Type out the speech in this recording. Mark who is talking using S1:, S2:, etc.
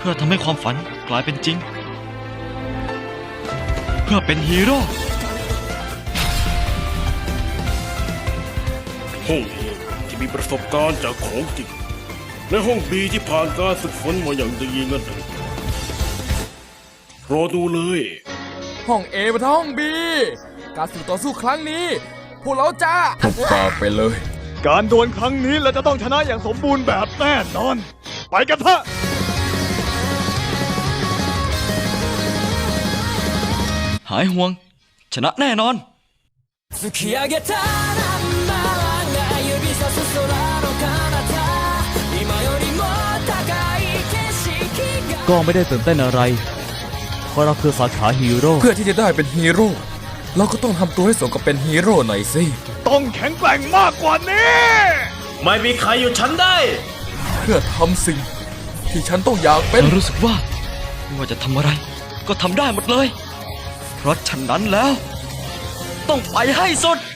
S1: พื่อทำให้ความฝันกลายเป็นจริง เพื่อเป็นฮีโร่
S2: ห้องเอที่มีประสบการณ์จากของจริงและห้องบีที่ผ่านการฝึกฝนมาอย่างดีงั้นเถอะรอดูเลย
S3: ห้องเอมาท้าห้องบีการฝึกต่อสู้ครั้งนี้ พวกเราจะหุบปากไปเลย
S4: การดวลครั้งนี้เราจะต้องชนะอย่างสมบูรณ์แบบแน่นอน ไปกันเถอะ
S1: หายห่วง ชนะแน่นอน
S5: 突き上げたナンバーワンが指さす空の彼方今よりも高い景色が
S6: ก็ไม่ได้ตื่นเต้นอะไร เพราะเราคือสาขาฮีโร่
S3: เพื่อที่จะได้เป็นฮีโร่เราก็ต้องทำตัวให้สมกับเป็นฮีโร่หน่อยสิ
S4: ต้องแข็งแกร่งมากกว่านี้
S2: ไม่มีใครหยุดฉันได้
S3: เพื่อทำสิ่งที่ฉันต้องอยากเป็น
S1: เรารู้สึกว่าไม่ว่าจะทำอะไร ก็ทำได้หมดเลย เพราะฉะนั้นแล้ว ต้องไปให้สุด